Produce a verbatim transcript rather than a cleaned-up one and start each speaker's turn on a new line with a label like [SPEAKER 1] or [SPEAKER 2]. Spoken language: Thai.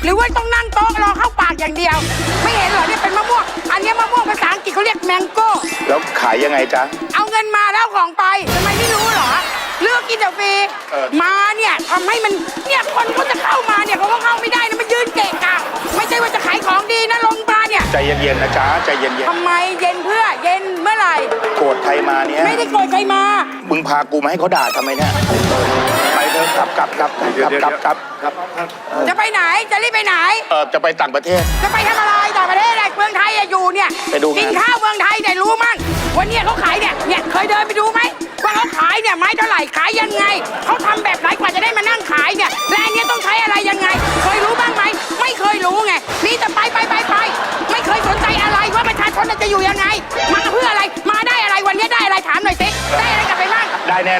[SPEAKER 1] รือว่าต้องนั่งโต๊ะรอเข้าปากอย่างเดียว ไม่เห็นเหรอเนี่ยเป็นมะม่วงอันนี้มะม่วงภาษาอังกฤษเขาเรียกแมงโก้
[SPEAKER 2] แล้วขายยังไงจ๊ะ
[SPEAKER 1] เอาเงินมาแล้วของไปทำไมไม่รู้เหรอเลือกกินแต่ฟรี
[SPEAKER 2] เออ
[SPEAKER 1] มาเนี่ยทำให้มันเนี่ยคนเขาจะเข้ามาเนี่ยเขาก็เข้าไม่ได้นะมันยืนเกะกะไม่ใช่ว่าจะขายของดีนะลงมาเนี่ย
[SPEAKER 2] ใจเย็นๆนะจ๊ะใจเย็น
[SPEAKER 1] ทำไมเย็นเพื่อเย็นเมื่อไหร่
[SPEAKER 2] ๆโกรธใครมาเนี่ย
[SPEAKER 1] ไม่ได้โกรธใครมา
[SPEAKER 2] มึงพากูมาให้เขาด่าทำไมเนี่ยไปเถอะกลับกลับกลับกลับกลับกลับกลับ
[SPEAKER 1] จะไปไหนจะรีบไปไหน
[SPEAKER 2] เออจะไปต่างประเทศ
[SPEAKER 1] จะไปทำอะไรต่างประเทศอะไรเมืองไทยอะอยู่เนี่ย
[SPEAKER 2] ไปดูงาน
[SPEAKER 1] กินข้าวเมืองไทยเนี่ยรู้มั้งวันเนี้ยเขาขายเนี่ยเนี่ยเคยเดินไปดูไหมว่าเขาขายเนี่ยไม้เท่าไหร่ขายยังไงเขาทำแบบไหนกว่าจะได้มานั่งขายเนี่ยและอันเนี้ยต้องใช้อะไรยังไง เคยรู้บ้างไหมไม่เคยรู้ไงนี่แต่ไปไปไปไปไม่เคยสนใจอะไรว่าประชาชนจะอยู่ยังไง มาเพื่ออะไรมาได้อะไรวันเนี้ยได้อะไรถามหน่อยสิได้อะไรกลับไปบ้าง
[SPEAKER 2] ได้แน่